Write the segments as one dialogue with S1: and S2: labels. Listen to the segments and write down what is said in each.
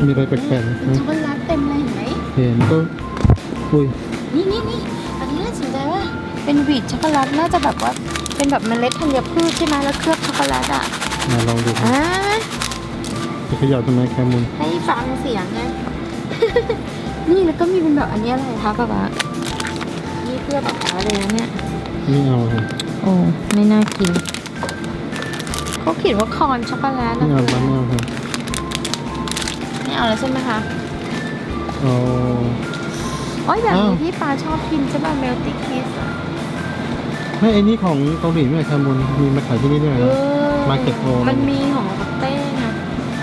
S1: มีอะไรแปลกๆนะ
S2: ช็อกโกแลตเต็มเลยเห็นไหม
S1: เห็นก็อุ้ย
S2: นี่อันนี้น่าสนใจว่าเป็นวีดช็อกโกแลตน่าจะแบบว่าเป็นแบบเมล็ดธัญพืชใช่ไหมแล้วเคลือบช็อกโกแลตอ่ะ
S1: มาลองดูครับ
S2: อ่า
S1: จะเขย่าทำไมแคมุน
S2: ให้ฟังเสียงไง นี่แล้วก็มีเป็นแบบอันนี้อะไรคะป๊าป๊านี่เพื่อแบบอะไรนะเนี่ย
S1: ไม่เอาครับ
S2: โอ้ไม่น่ากินเขาเขียนว่าคอนช็อกโกแลต
S1: ไม่
S2: นะ
S1: เอา
S2: คะ
S1: ไม่เอาครับ
S2: ไม่เอาแล้วใช่ไหมคะ
S1: เอา
S2: โอ้ยแบบนี้
S1: อ้าว
S2: ที่ปาชอบกินใช่ป่ะเมลตี้คิส
S1: ไม่ไอ้นี่ของเกาหลีไม่ใช่แคมุนมีมาขายที่นี่ด้วยเหรอ Market Hall
S2: มันมีของปักเต้ไง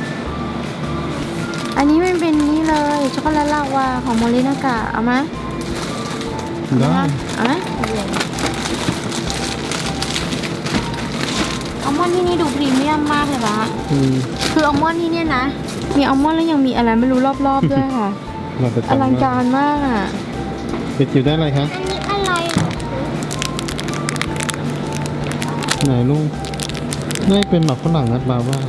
S2: อันนี้มันเป็นนี่เลยช็อกโกแลตลาวาของโมรินากะเอาไหม
S1: ได้
S2: เอาไหมอัลมอนด์ที่นี่ดูพรีเมียมมากเลยปะ
S1: อืม
S2: คืออัลมอนด์ที่เนี่ยนะ มีอัลมอนด์แล้วยังมีอะไรไม่รู้รอบๆด้วยค่ะ
S1: เราจะ
S2: อ
S1: จำ
S2: ลังการมากอ่ะ
S1: เด็กจิ๋วได้อะไรคะ
S2: อันนี้อะไร
S1: ไหนลูกนี่เป็นหมักฝรั่งนัดบาว่า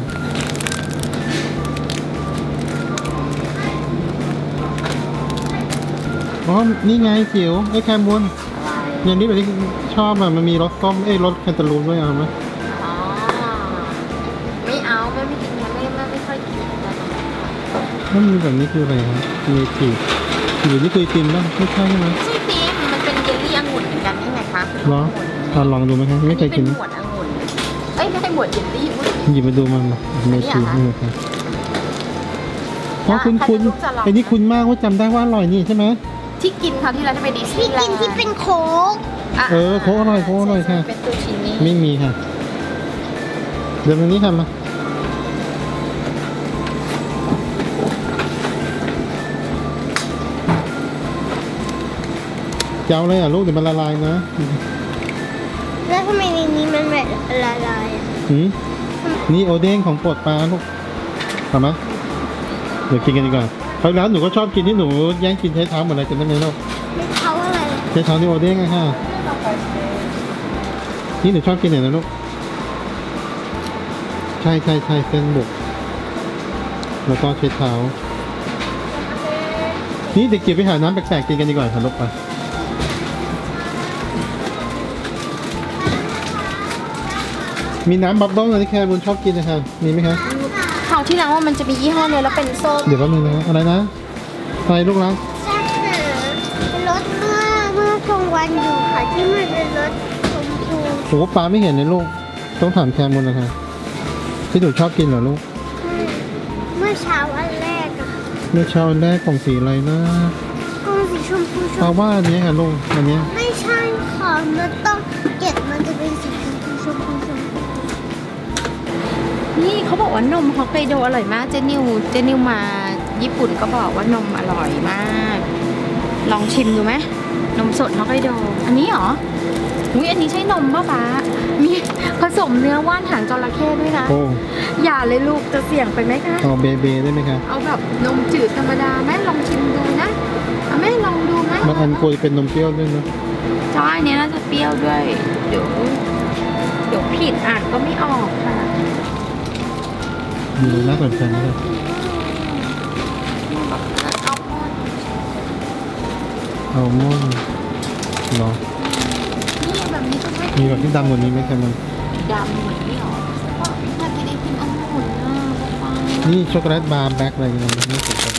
S1: อ๋อนี่ไงจิ๋วไอ้แคมุนอย่างนี้แบบที่ชอบอ่ะมันมีรสส้มรสแคนตาลูปด้วยเอาไหม
S2: อ๋อไม่เอาไม่กินไม่ค่อยกินแต่
S1: ถ้ามีแบบนี้คืออะไรครับมีจีบอยู่นี่เคยกินป่ะไม่ใช่ใช่ไหม
S2: ไม่ใช่ปี๊บมันเป็นเยลลี่องุ่นเหมือนกันใช่ไหมคะ
S1: เหรอลองดูไหมครับไม่เคยกิน
S2: เป็นหมวดองุ่นเอ้ยไม่ใช่หมวดเยลลี่อุ๊ย
S1: หยิบมาดูมันมาเมจินี่ครับเพราะคุณ
S2: ใครจะรู้จะลอง
S1: ไอ้นี่คุณมากว่าจำได้ว่าอร่อยนี่ใช่ไหม
S2: ที่กินคราวที่เราจะไปดิสนีย์แลนด์
S3: ที่เป็นโค้ก
S2: ะ
S1: โค้กอร่อยโค้กอร่อยค่ะ
S2: เป็นตูชินี่
S1: ไม่มีค่ะเดี๋ยวตรงนี้ค่ะมาจะเอาเลยลูกเดี๋ยวมันละลายนะ
S3: แล้วทำไมในนี้มันแบบละลายอ่ะ
S1: หืมนี่โอเด้งของโปรดปลาลูกทำไหมเดี๋ยวกินกันดีกว่าคราวแล้วหนูก็ชอบกินที่หนูแย่งกินใช้เท้าหมดเลยจำได้ไหมลูก
S3: ไม่เขาอะไร
S1: ใช้เท้านี่โอเด้งอะค่ะนี่หนูชอบกินไหนนะลูกใช่เส้นบุกแล้วก็ใช้เท้านี่เด็กเก็บไปหาน้ำแปลกๆกินกันดีกว่าค่ะลูกไปมีน้ำบับเบิ้ลอะไรที่แคร์บุญชอบกินนะคะมีไหมคะ
S2: คราวที่แล้วว่ามันจะมียี่ห้อเนี่ยแล้วเป็นส้ม
S1: เดี๋ยวแป๊บนึงนะอะไรนะอะไรลูกรัก
S3: แซ่บหารถเมื่อกลางวันอยู่ค่ะที่มันเป็นรถชมพู
S1: โอ้ปลาไม่เห็นเลยลูกต้องถามแคร์บุญนะคะที่หนูชอบกินเหรอลูก
S3: เมื่อเช้าอันแรกอะ
S1: เมื่อเช้าแรกของสีอะไรนะ
S3: กล้องสีชมพูช
S1: ปลาม ว่าอันนี้ค่ะลูกอันเนี้ย
S3: ไม่ใช่ค่ะมันต้องเก็บมันจะเป็นสีชมพูชมพูชมพู
S2: นี่เขาบอกว่านมฮอกไกโดอร่อยมากเจนิวมาญี่ปุ่นก็บอกว่านมอร่อยมาก ลองชิมดูไหมนมสดฮอกไกโดอันนี้เหรออุ้ยอันนี้ใช่นมป่ะป๊ามีผสมเนื้อว่านหางจระเข้ด้วยนะ
S1: โอ้
S2: อย่าเลยลูกจะเสี่ยงไปไหมคะ
S1: เอาเบเบได้ไหมคะ
S2: เอาแบบนมจืดธรรมดาแม่ลองชิมดูนะเอาแม่ลองดูไหม
S1: บางอันควรจะเป็นนมเปรี้ยวด้วยนะ
S2: ใช่เนี้ยน่าจะเปรี้ยวด้วย เดี๋ยวผิดอ่านก็ไม่ออกค่ะ
S1: ดูน่าสนใจนะครับ
S2: อัลมอนด์
S1: อัลมอนด์เหรอ
S2: นี่แบบนี้ก็ไม่
S1: มีแบบที่ดำกว่านี้ไหมครับมัน
S2: ดำเหมือนนี่หรออยากจะได้กินองุ่นนะป๊า
S1: นี่ช็อกโกแลตบาร์แบล็คอะไรเงี้ยมันน่าสนใจ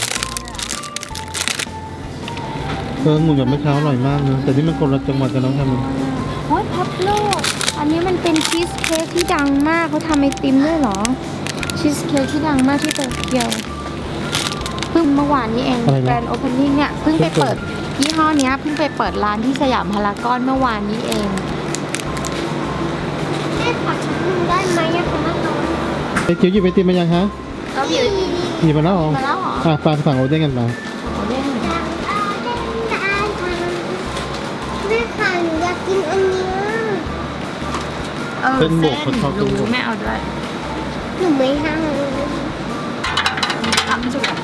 S1: หมูแบบเมื่อเช้าอร่อยมากนะแต่นี่มันคนละจังหวัดกันแล้วครับมัน
S2: โอ้ยพับโลอันนี้มันเป็นชีสเค้กที่ดังมากเขาทำไอติมด้วยเหรอชีสเค้กที่ดังมากที่โตเกียวเพิ่งเมื่อวานนี้เองแกรนด์โอเพนนิ่งเนี่ยเพิ่งไปเปิดยี่ห้อเนี้ยเพิ่งไปเปิดร้านที่สยามพารากอนเมื่อวานนี้เอง
S3: แม่ขอชิมได้ไหมอะคะแม่น้อง
S1: ไอ้จิ๋วหยิบไอติมมายังคะ
S2: เราอยู่
S1: หยิบมาแล้วเหรอ
S2: มาแล้วเหรอ
S1: ปลาสั่งโอเด้งกันมา
S2: เอาเด้ง
S3: แม่ค่ะหนูอยากกินอันเนี้ย
S1: เส้นบวกเขาชอบ
S2: รู้
S1: เส้นบวก
S2: แม่เอาด้วย
S3: หนูไม่ห้าม
S2: ทำจุก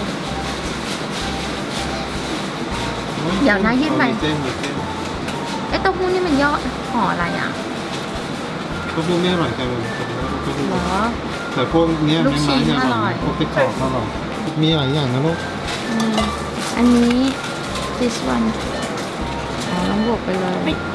S2: เดี๋ยวนะยื่นไปไอ้เต้าหู้นี่มันย่อห่ออะไรอ่ะ
S1: ก็พวกนี้อร่อยกันเลย
S2: หรอ
S1: แต่พวกเนี้ย
S2: ลูกชิ้น
S1: ไม้ๆ
S2: อร่อย
S1: พวกที่กรอบอร่อย
S2: อ
S1: มีหลายอย่างนะลูก
S2: อันนี้ this one อ๋อต้องบวกไปเลย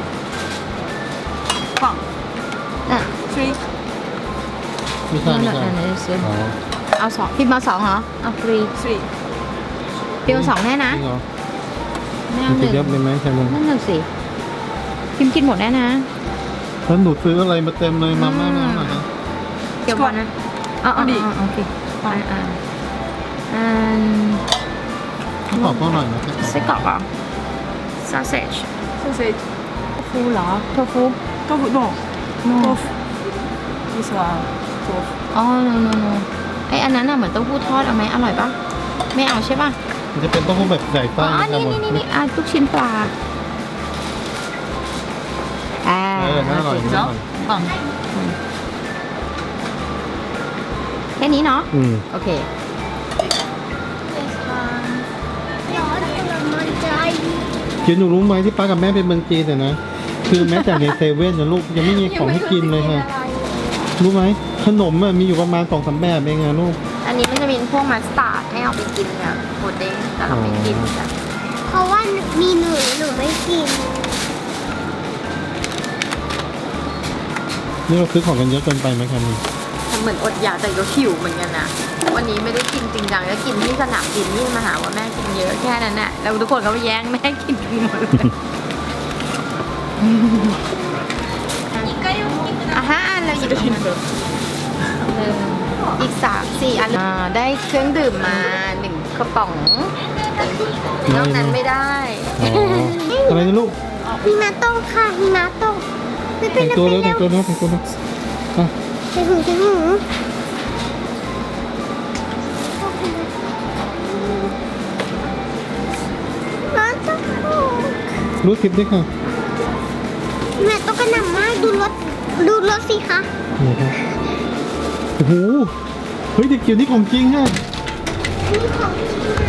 S4: 放
S2: อ่ะ
S4: three
S1: ไม่ใช่ไม่ใช่
S2: นั่นๆซื้อ
S1: อ๋อ
S2: เอาสองพิมพ์มาสองเหรอ เอาฟรี
S4: three
S2: พิมพ์มาสองแน่นะ
S1: จริงเหรอ
S2: ไม่
S1: มั
S2: เอา
S1: น
S2: ห
S1: จะ
S2: นึ่ง
S1: เยอะไปไหมแคมุน
S2: นั่นน่ะสิพิมพ์กินหมดแน่นะ
S1: แล้วหนูซื้ออะไรมาเต็มเลยมาม่าไม่เอาหน่อยนะ
S2: เกี่ยวกันนะอ๋ออ๋อ
S4: ดิ
S2: อ๋อโอเคอัน
S1: ต้องขอพ่อหน่อยนะ
S2: ไส้กรอกเหรอ sausage
S4: sausage
S2: โทฟูเหรอโทฟู
S4: tofu no
S2: no
S4: tofu this one tofu
S2: อ๋อ no no no ไออันนั้นน่ะเหมือนเต้าหู้ทอดเอาไหมอร่อยปะไม่เอาใช่ปะ
S1: มันจะเป็นเต้าหู้แบบใส่
S2: อ๋
S1: ไส้
S2: อ
S1: นะแค
S2: นี่
S1: มุน
S2: นี่ลูกชิ้นปลาอ่า
S1: น่าอร่อยน่าอร่อย
S4: 放
S2: แค่นี้เนาะ โอเค
S3: ร้อนละมันใจ
S1: เดี๋ยวหนูรู้ไหมที่ป้ากับแม่เป็นเมืองจีนแต่นะ คือแม้แต่ในเซเว่นนะลูกยังไม่มีของให้กินเลยค่ะ รู้ไหมขนมอะมีอยู่ประมาณ2-3แบบเองนะลูก
S2: อันนี้มันจะมีพวกมัสตาร์ดให้เอาไปกินเนี่ยโคเด้งแต่เราไม่กินจ้ะ
S3: เพราะว่ามีหนูไม่กิน
S1: นี่เราซื้อของกันเยอะเกินไปไหมแคมุน
S2: เหมือนอดอยากแต่ก็หิวเหมือนกันนะวันนี้ไม่ได้กินจริงจังแล้วกินที่สนามบินนี่มาหาว่าแม่กินเยอะแค่นั้นแหละแล้วทุกคนก็ไปแย่งแม่กินกันหมดเลยอ่ะ5 อันเราหยิบออกมาอีก3-4 อันได้เครื่องดื่มมา1กระป๋องนอกนั้นไม่ได้
S1: อ๋ออะไรนะลูก
S3: หิมะตกค่ะหิมะตกไม่เป็
S1: แต่
S3: น
S1: ง
S3: ไร
S1: ตัว
S3: ไป
S1: แล้วแต่
S3: แล้
S1: ง
S3: ว
S1: ตัวแล้วแต่งตัวแล้วอ่ะ
S3: ใส่หูใส่หูร้อนจังเลย
S1: รู้ทิปด้วยค่ะ
S3: หิมะตกกระหน่ำมากดูรถสิคะ
S1: นี่ครับโอ้โหเฮ้ยเด็กเกี่ยวนี่ของจริงฮะ
S3: นี่ของจริง